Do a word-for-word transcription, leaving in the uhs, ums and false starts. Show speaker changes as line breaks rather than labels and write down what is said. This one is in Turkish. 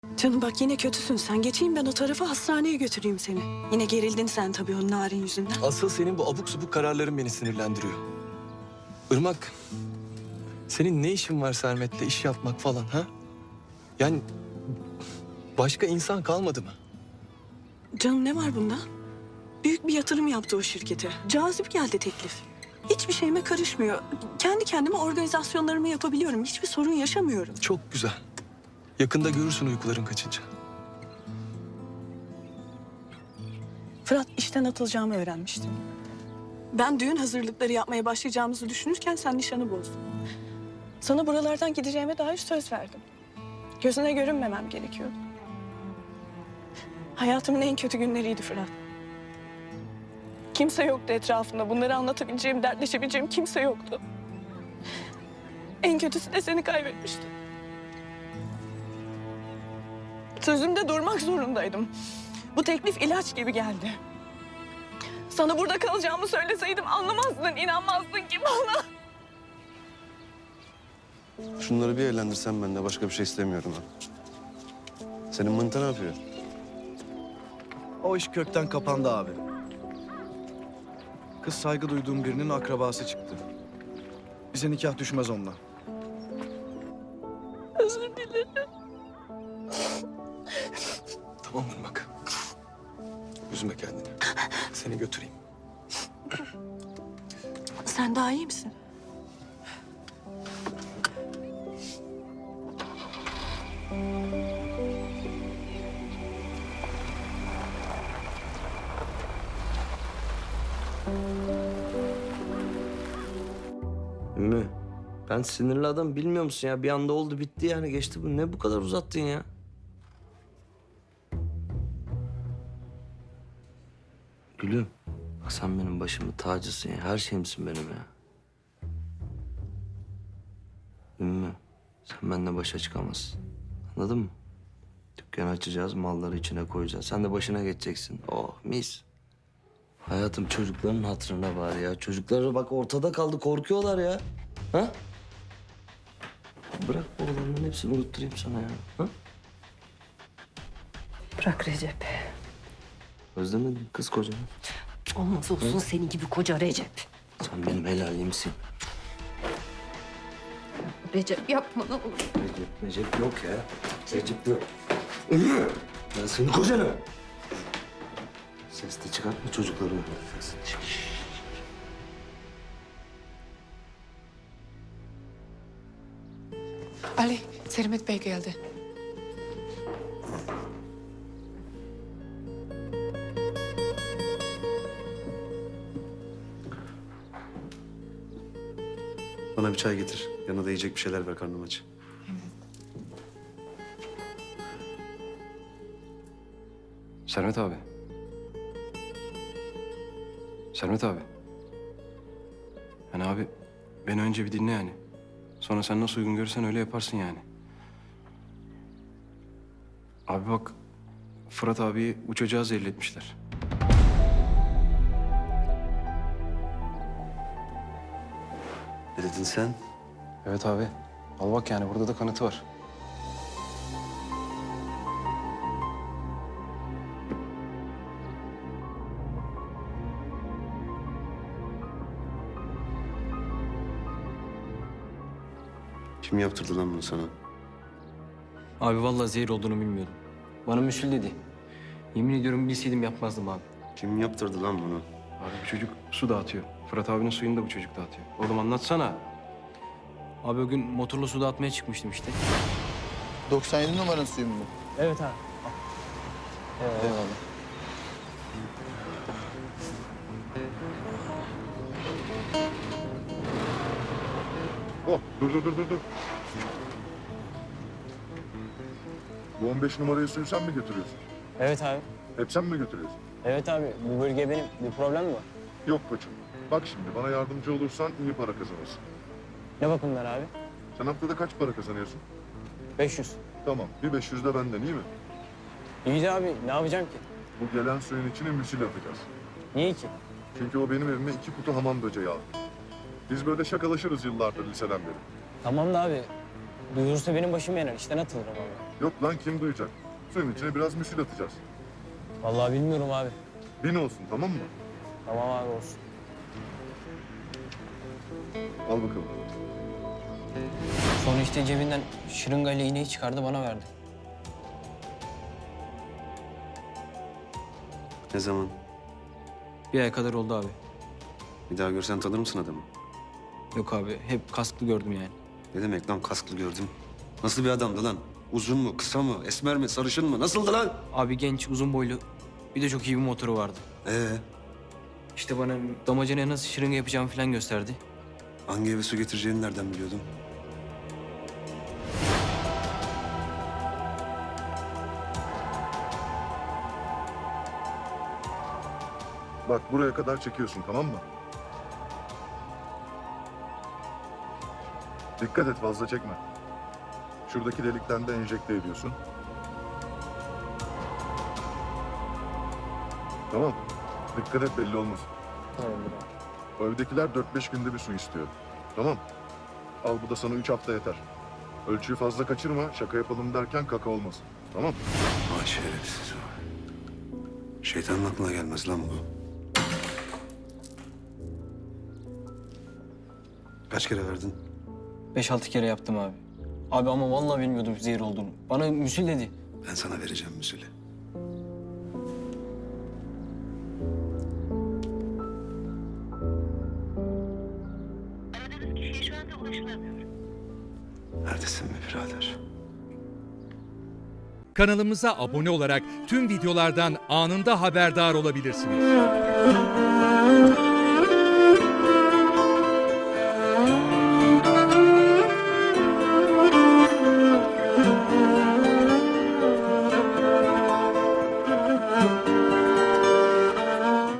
Canım bak yine kötüsün sen. Geçeyim ben o tarafa hastaneye götüreyim seni. Yine gerildin sen tabii o narin yüzünden.
Asıl senin bu abuk subuk kararların beni sinirlendiriyor. Irmak, senin ne işin var Sermet'le iş yapmak falan ha? Yani başka insan kalmadı mı?
Canım ne var bunda? Büyük bir yatırım yaptı o şirkete. Cazip geldi teklif. Hiçbir şeyime karışmıyor. Kendi kendime organizasyonlarımı yapabiliyorum. Hiçbir sorun yaşamıyorum.
Çok güzel. Yakında görürsün uykuların kaçınca.
Fırat işten atılacağımı öğrenmişti. Ben düğün hazırlıkları yapmaya başlayacağımızı düşünürken sen nişanı bozdun. Sana buralardan gideceğime dair söz verdim. Gözüne görünmemem gerekiyordu. Hayatımın en kötü günleriydi Fırat. Kimse yoktu etrafımda. Bunları anlatabileceğim, dertleşebileceğim kimse yoktu. En kötüsü de seni kaybetmiştim. Sözümde durmak zorundaydım. Bu teklif ilaç gibi geldi. Sana burada kalacağımı söyleseydim anlamazdın, inanmazdın ki bana.
Şunları bir eğlendirsen ben de başka bir şey istemiyorum ha. Senin mınta ne yapıyor?
O iş kökten kapandı abi. Kız saygı duyduğum birinin akrabası çıktı. Bize nikah düşmez onunla.
Özür dilerim.
Tamam Irmak. Üzme kendini. Seni götüreyim.
Sen daha iyi misin?
Ümmü, ben sinirli adam bilmiyor musun ya? Bir anda oldu bitti yani geçti bu. Ne bu kadar uzattın ya? Gülüm, bak sen benim başımın tacısın ya. Her şeyimsin benim ya. Ümmü, sen benimle başa çıkamazsın. Anladın mı? Dükkanı açacağız, malları içine koyacağız. Sen de başına geçeceksin. Oh mis. Hayatım çocukların hatırına bari ya. Çocuklar bak ortada kaldı, korkuyorlar ya. Ha? Bırak bu olanların hepsini unutturayım sana ya. Ha?
Bırak Recep.
Özlemedin mi kız kocanı?
Olmaz olsun senin gibi koca Recep.
Sen benim helalimsin.
Recep yapma ne olur.
Recep, Recep yok ya. Recep yok. Ümmü! Ben senin kocanım. Ses de çıkartma çocukları. Şşş.
Ali, Sermet Bey geldi.
Bana bir çay getir. Yanına da yiyecek bir şeyler ver, karnım aç.
Sermet abi. Sermet abi. Yani abi beni önce bir dinle yani. Sonra sen nasıl uygun görürsen öyle yaparsın yani. Abi bak Fırat abiyi bu çocuğa zehirletmişler.
Ne dedin sen?
Evet abi. Al bak yani burada da kanıtı var.
Kim yaptırdı lan bunu sana?
Abi vallahi zehir olduğunu bilmiyordum. Bana müsül dedi. Yemin ediyorum bilseydim yapmazdım abi.
Kim yaptırdı lan bunu?
Abi bu çocuk su dağıtıyor. Fırat abinin suyunu da bu çocuk dağıtıyor. Oğlum anlatsana.
Abi o gün motorla su dağıtmaya çıkmıştım işte.
doksan yedi numaranın suyu mu bu?
Evet abi.
Eyvallah.
Oh, dur dur dur dur dur. Bu on beş numarayı suyu sen mi götürüyorsun?
Evet abi.
Hep sen mi götürüyorsun?
Evet abi. Bu bölge benim. Bir problem mi var?
Yok koçum. Bak şimdi bana yardımcı olursan iyi para kazanırsın.
Ne bakımlar abi?
Sen haftada kaç para kazanıyorsun?
beş yüz.
Tamam, bir beş yüz de benden iyi mi?
İyi de abi ne yapacağım ki?
Bu gelen suyun içine müsil atacağız.
Niye ki?
Çünkü o benim evime iki kutu hamam böceği aldı. Biz böyle şakalaşırız yıllardır liseden beri.
Tamam da abi. Duyurursa benim başım yanar. İşten atılırım abi.
Yok lan kim duyacak? Suyun içine biraz müsil atacağız.
Vallahi bilmiyorum abi.
Bin olsun tamam mı?
Tamam abi olsun.
Al bakalım.
Sonra işte cebinden şırıngayla iğneyi çıkardı bana verdi.
Ne zaman?
Bir ay kadar oldu abi.
Bir daha görsen tanır mısın adamı?
Yok abi hep kasklı gördüm yani.
Ne demek lan kasklı gördüm? Nasıl bir adamdı lan? Uzun mu, kısa mı, esmer mi, sarışın mı? Nasıldı lan?
Abi genç, uzun boylu. Bir de çok iyi bir motoru vardı.
Ee,
İşte bana damacanaya nasıl şırınga yapacağımı falan gösterdi.
hangi eve su getireceğini nereden biliyordun?
Bak buraya kadar çekiyorsun tamam mı? Dikkat et fazla çekme. Şuradaki delikten de enjekte ediyorsun. Tamam. Dikkat et belli olmasın. O evdekiler dört beş günde bir su istiyor. Tamam. Al bu da sana üç hafta yeter. Ölçüyü fazla kaçırma. Şaka yapalım derken kaka olmasın. Tamam.
Vay şerefsiz. Şeytanın aklına gelmez lan bu. Kaç kere verdin?
Beş altı kere yaptım abi. Abi ama vallahi bilmiyordum zehir olduğunu. Bana müsil dedi.
Ben sana vereceğim müsülü.
Aradığınız kişiye şu anda ulaşılamıyor.
Neredesin be birader?
Kanalımıza abone olarak tüm videolardan anında haberdar olabilirsiniz.